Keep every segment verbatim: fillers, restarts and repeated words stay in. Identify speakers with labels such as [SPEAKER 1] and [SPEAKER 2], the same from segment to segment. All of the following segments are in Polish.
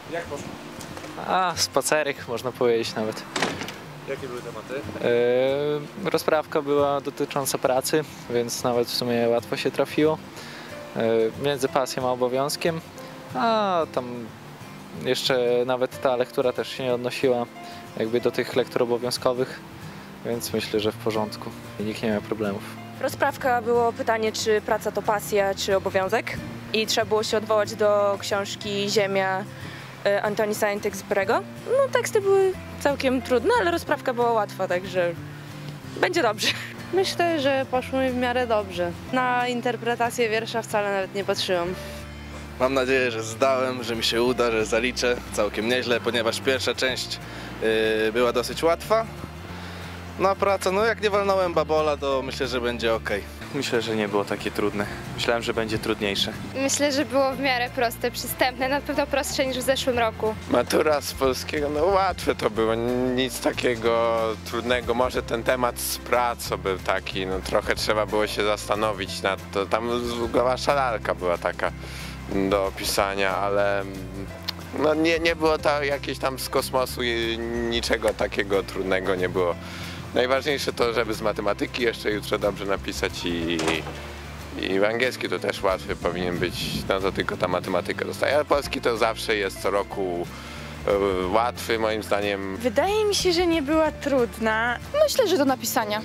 [SPEAKER 1] Jak poszło?
[SPEAKER 2] A, spacerek można powiedzieć nawet.
[SPEAKER 1] Jakie były tematy?
[SPEAKER 2] Yy, rozprawka była dotycząca pracy, więc nawet w sumie łatwo się trafiło. Yy, między pasją a obowiązkiem, a tam jeszcze nawet ta lektura też się nie odnosiła jakby do tych lektur obowiązkowych, więc myślę, że w porządku i nikt nie miał problemów.
[SPEAKER 3] Rozprawka było pytanie, czy praca to pasja, czy obowiązek i trzeba było się odwołać do książki Ziemia Antoni Saint-Exupéry'ego. No teksty były całkiem trudne, ale rozprawka była łatwa, także będzie dobrze.
[SPEAKER 4] Myślę, że poszło mi w miarę dobrze. Na interpretację wiersza wcale nawet nie patrzyłam.
[SPEAKER 5] Mam nadzieję, że zdałem, że mi się uda, że zaliczę całkiem nieźle, ponieważ pierwsza część yy, była dosyć łatwa. No a praca, no jak nie walnąłem babola, to myślę, że będzie ok.
[SPEAKER 6] Myślę, że nie było takie trudne. Myślałem, że będzie trudniejsze.
[SPEAKER 7] Myślę, że było w miarę proste, przystępne, na pewno prostsze niż w zeszłym roku.
[SPEAKER 8] Matura z polskiego, no łatwe to było, nic takiego trudnego. Może ten temat z pracą był taki, no trochę trzeba było się zastanowić nad to. Tam wasza lalka była taka do opisania, ale no nie, nie było to jakieś tam z kosmosu, niczego takiego trudnego nie było. Najważniejsze to, żeby z matematyki jeszcze jutro dobrze napisać i, i w angielski to też łatwy powinien być, no to tylko ta matematyka zostaje. Ale polski to zawsze jest co roku y, łatwy moim zdaniem.
[SPEAKER 9] Wydaje mi się, że nie była trudna.
[SPEAKER 10] Myślę, że do napisania.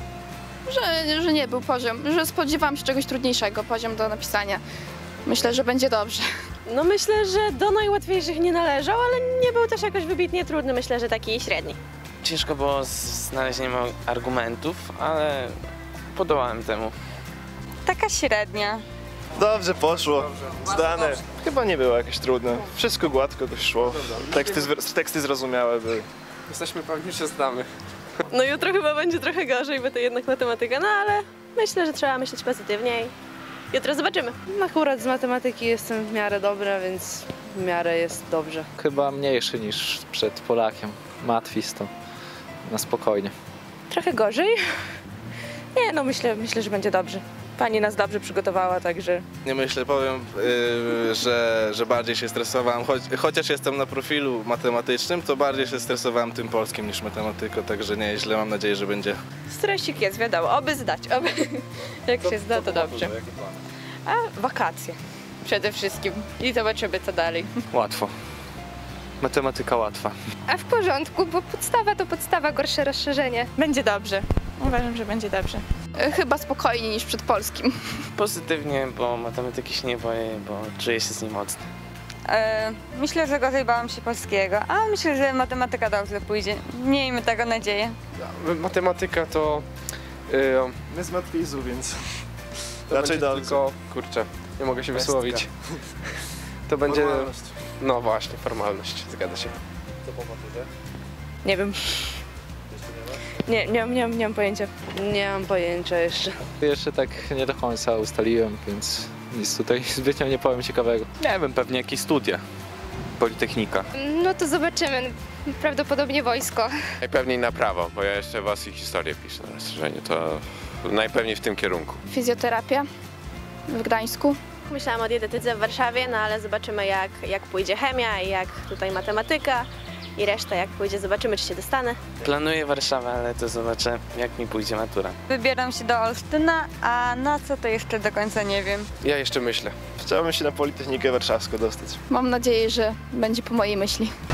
[SPEAKER 10] Że, że nie był poziom, że spodziewałam się czegoś trudniejszego, poziom do napisania. Myślę, że będzie dobrze.
[SPEAKER 3] No myślę, że do najłatwiejszych nie należał, ale nie był też jakoś wybitnie trudny, myślę, że taki średni.
[SPEAKER 6] Ciężko było z znalezieniem argumentów, ale podołałem temu.
[SPEAKER 9] Taka średnia.
[SPEAKER 1] Dobrze poszło, zdane. Chyba nie było jakieś trudne, wszystko gładko dość szło. Teksty, teksty zrozumiałe były.
[SPEAKER 11] Jesteśmy pewni, że znamy.
[SPEAKER 3] No jutro chyba będzie trochę gorzej, bo to jednak matematyka, no ale myślę, że trzeba myśleć pozytywnie i jutro zobaczymy.
[SPEAKER 4] Akurat z matematyki jestem w miarę dobra, więc w miarę jest dobrze.
[SPEAKER 2] Chyba mniejszy niż przed Polakiem. Matwis to na spokojnie.
[SPEAKER 3] Trochę gorzej? Nie, no myślę, myślę, że będzie dobrze. Pani nas dobrze przygotowała, także...
[SPEAKER 5] Nie myślę, powiem, yy, że, że bardziej się stresowałem, choć, chociaż jestem na profilu matematycznym, to bardziej się stresowałem tym polskim niż matematyką, także nieźle, mam nadzieję, że będzie.
[SPEAKER 3] Stresik jest, wiadomo, oby zdać, oby. Jak się zda, to dobrze. A wakacje przede wszystkim i zobaczymy, co dalej.
[SPEAKER 6] Łatwo. Matematyka łatwa.
[SPEAKER 7] A w porządku, bo podstawa to podstawa, gorsze rozszerzenie.
[SPEAKER 9] Będzie dobrze. Uważam, że będzie dobrze.
[SPEAKER 10] Chyba spokojniej niż przed polskim.
[SPEAKER 6] Pozytywnie, bo matematyki się nie boję, bo czuję się z nim mocno.
[SPEAKER 9] E, myślę, że gorzej bałam się polskiego, a myślę, że matematyka dobrze pójdzie. Miejmy tego nadzieję.
[SPEAKER 11] Matematyka to... Yy,
[SPEAKER 1] My z matwizu, więc
[SPEAKER 11] to
[SPEAKER 1] raczej dobrze.
[SPEAKER 11] Tylko, kurczę, nie mogę się
[SPEAKER 1] Pestka.
[SPEAKER 11] wysłowić. To będzie...
[SPEAKER 1] Formalność.
[SPEAKER 11] No właśnie, formalność, zgadza się.
[SPEAKER 1] Co po maturze?
[SPEAKER 3] Nie wiem. Nie, nie, nie, nie mam pojęcia.
[SPEAKER 4] Nie mam pojęcia jeszcze.
[SPEAKER 2] Jeszcze tak nie do końca ustaliłem, więc nic tutaj zbytnio nie powiem ciekawego.
[SPEAKER 6] Nie wiem, pewnie jakieś studia. Politechnika.
[SPEAKER 7] No to zobaczymy, prawdopodobnie wojsko.
[SPEAKER 8] Najpewniej na prawo, bo ja jeszcze was i historię piszę na rozszerzeniu, to najpewniej w tym kierunku.
[SPEAKER 10] Fizjoterapia w Gdańsku.
[SPEAKER 3] Myślałam o dietetyce w Warszawie, no ale zobaczymy jak, jak pójdzie chemia i jak tutaj matematyka i reszta jak pójdzie, zobaczymy czy się dostanę.
[SPEAKER 6] Planuję Warszawę, ale to zobaczę, jak mi pójdzie matura.
[SPEAKER 9] Wybieram się do Olsztyna, a na co to jeszcze do końca nie wiem.
[SPEAKER 11] Ja jeszcze myślę.
[SPEAKER 1] Chciałbym się na Politechnikę Warszawską dostać.
[SPEAKER 10] Mam nadzieję, że będzie po mojej myśli.